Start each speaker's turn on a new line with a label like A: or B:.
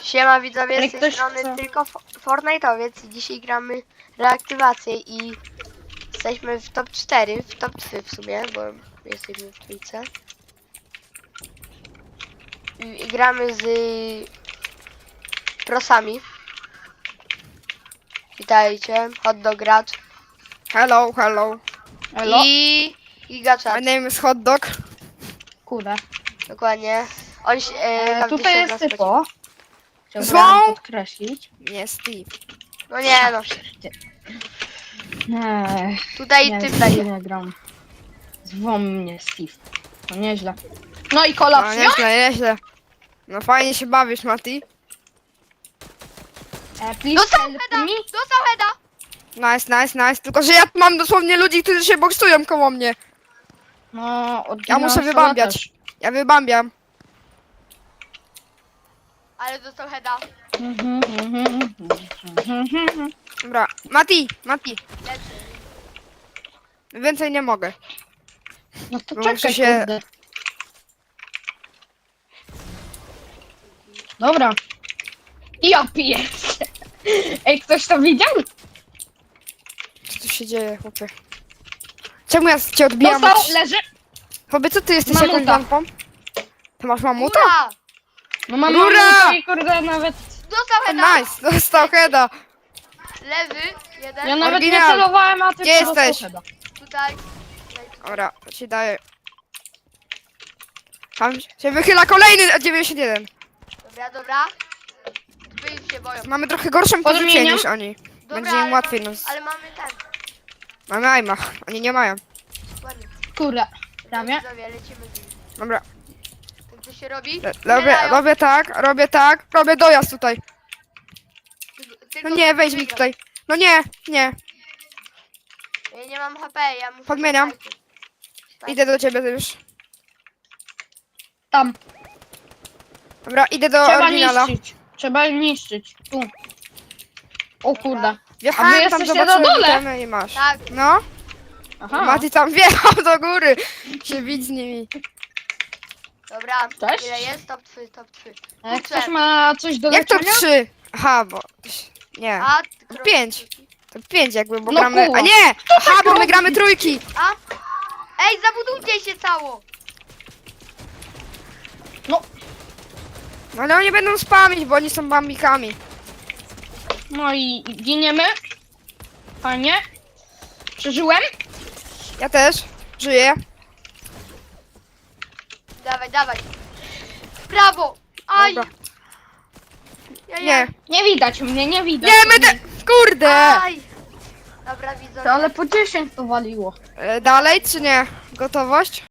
A: Siema widzowie,
B: Ale
A: z tej
B: ktoś
A: strony
B: chce-
A: tylko Fortnite'owiec i dzisiaj gramy reaktywację i jesteśmy w top 4, w top 3 w sumie, bo jesteśmy w trójce. I gramy z prosami. Witajcie, hotdog gracz
C: Hello, hello.
B: Elo?
A: i Gigachat,
C: My name is Hot Dog.
B: Kurde.
A: dokładnie. On się, każdy
B: Tutaj
A: się
B: jest
A: nas
B: typo.
C: Zwą?
B: Chciałbym podkreślić.
C: Nie, Steve.
A: No nie no,
B: Nie,
A: tutaj
B: nie,
A: typ
B: z
A: będzie.
B: nie gram. Zwą mnie Steve. To nieźle. No i kolaps,
C: No, nieźle, nieźle. No fajnie się bawisz, Mati.
B: Please
A: Dostał
B: help
A: heada,
B: me.
A: dostał heada.
C: Nice. Tylko, że ja mam dosłownie ludzi, którzy się boksują koło mnie.
B: No,
C: Ja muszę wybambiać. Ja wybambiam.
A: Ale dostał heada.
C: Dobra. Mati.
A: Leży.
C: Więcej nie mogę.
B: No to
C: Bo
B: czekaj,
C: muszę się-
B: kurde. Dobra. Ja piję. Ej, ktoś to widział?
C: Co tu się dzieje, chłopie? Czemu ja cię odbijam?
B: Dostał, leży.
C: Chłopie, co ty jesteś
B: Mamuta.
C: jakąś lampą? Ty masz mamuta?
A: Ura!
B: No mam
C: Rura!
B: mamuta i kurde nawet...
A: Dostał heada.
C: Nice, dostał heada.
A: Lewy, jeden.
B: Ja nawet nie
C: Oryginał.
B: celowałem, a ty
C: Gdzie
B: po prostu
C: jesteś?
B: heada.
A: Tutaj.
C: Dobra, to ci daję. Tam się wychyla kolejny 91.
A: Dobra. Wy już się boją.
C: Mamy trochę gorszą pozycję
B: Podmieniam?
C: niż oni.
A: Dobra,
C: Będzie im
A: ale
C: łatwiej
A: mamy-
C: nas.
A: Ale mamy ten.
C: Mamy aima, oni nie mają.
A: Ładnie.
B: Kurde. Prawie.
A: Widzowie, lecimy z nim.
C: Dobra,
A: Tak co się robi?
C: robię tak, robię dojazd tutaj.
A: Tylko
C: No nie, weź mi
A: wygram.
C: tutaj. No nie.
A: Ja nie mam HP, ja muszę...
C: Podmieniam. Idę do ciebie już.
B: Tam.
C: Dobra, idę do
B: Trzeba
C: oryginala.
B: niszczyć. Trzeba niszczyć. Tu. O kurde. A wy
C: Wjechałem tam,
B: jesteście na
C: zobaczyłem
B: dole?
C: itemy i masz.
A: Tak,
C: No,
B: Aha.
C: Mati tam wjechał do góry. Się bić z nimi.
A: dobra.
B: Cześć.
A: Ile jest? Top 3, top 3.
B: Jak ktoś ma coś do
C: Jak to
B: leczenia?
C: 3? Aha, bo... Nie.
A: A,
C: To 5. To 5 jakby, bo
B: No
C: gramy...
B: kuła.
C: A nie! Aha, bo my
B: robi?
C: gramy trójki.
A: A? Ej, zabudujcie się cało!
B: No.
C: No ale oni będą spamić, bo oni są bambikami.
B: No i giniemy. Fajnie. Przeżyłem.
C: Ja też. Żyję.
A: Dawaj. Brawo! Aj!
C: Dobra.
A: Ja.
C: Nie.
B: Nie widać mnie, nie widać.
C: Nie, my te... Kurde!
A: Aj! Dobra, widzowie.
B: To ale po 10 to waliło.
C: Dalej czy nie? Gotowość?